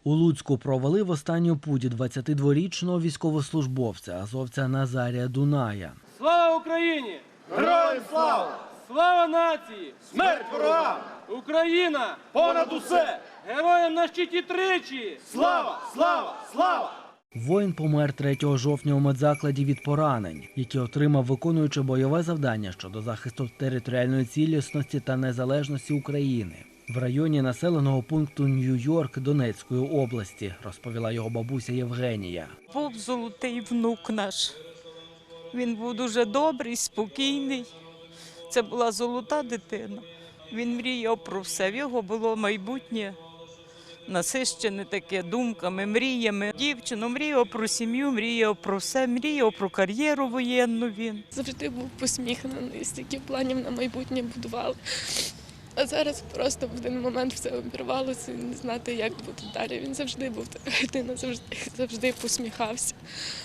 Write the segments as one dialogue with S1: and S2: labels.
S1: У Луцьку провели в останню путь 22-річного військовослужбовця азовця Назарія Дуная.
S2: Слава Україні!
S3: Героям слава!
S2: Слава нації!
S3: Смерть ворогам!
S2: Україна!
S3: Понад усе!
S2: Героям на щиті тричі!
S3: Слава! Слава! Слава!
S1: Воїн помер 3 жовтня у медзакладі від поранень, які отримав, виконуючи бойове завдання щодо захисту територіальної цілісності та незалежності України в районі населеного пункту Нью-Йорк Донецької області, розповіла його бабуся Євгенія.
S4: Був золотий внук наш. Він був дуже добрий, спокійний. Це була золота дитина. Він мріяв про все. В його було майбутнє насищене таке думками, мріями. Дівчину мріяв про сім'ю, мріяв про все, мріяв про кар'єру воєнну він.
S5: Завжди був посміхнений, стільки планів на майбутнє будував. А зараз просто в один момент все обірвалося, не знати, як бути далі. Він завжди був така людина, завжди посміхався.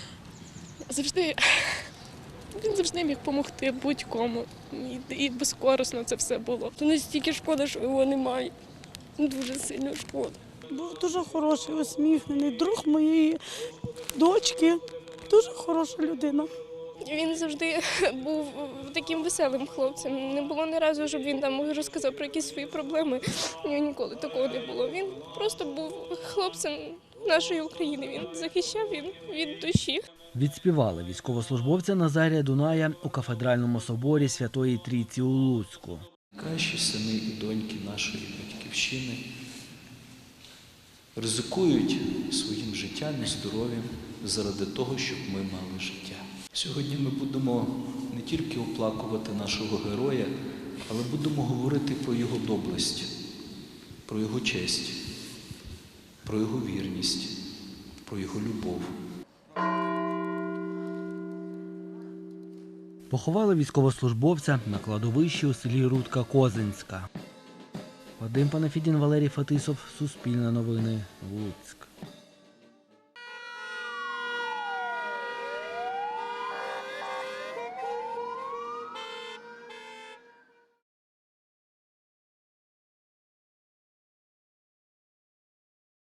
S5: Він завжди міг допомогти будь-кому. І безкорисно це все було.
S6: То настільки шкода, що його немає. Дуже сильно шкода.
S7: Був дуже хороший, усміхнений, друг моєї дочки, дуже хороша людина.
S5: Він завжди був таким веселим хлопцем. Не було ні разу, щоб він там розказав про якісь свої проблеми. У нього ніколи такого не було. Він просто був хлопцем нашої України. Він захищав від душі.
S1: Відспівали військовослужбовця Назарія Дуная у кафедральному соборі Святої Трійці у Луцьку.
S8: Кращі сини і доньки нашої батьківщини ризикують своїм життям і здоров'ям заради того, щоб ми мали життя. Сьогодні ми будемо не тільки оплакувати нашого героя, але будемо говорити про його доблесть, про його честь, про його вірність, про його любов.
S1: Поховали військовослужбовця на кладовищі у селі Рудка-Козинська. Вадим Панафідін, Валерій Фетисов, Суспільне новини, Луцьк.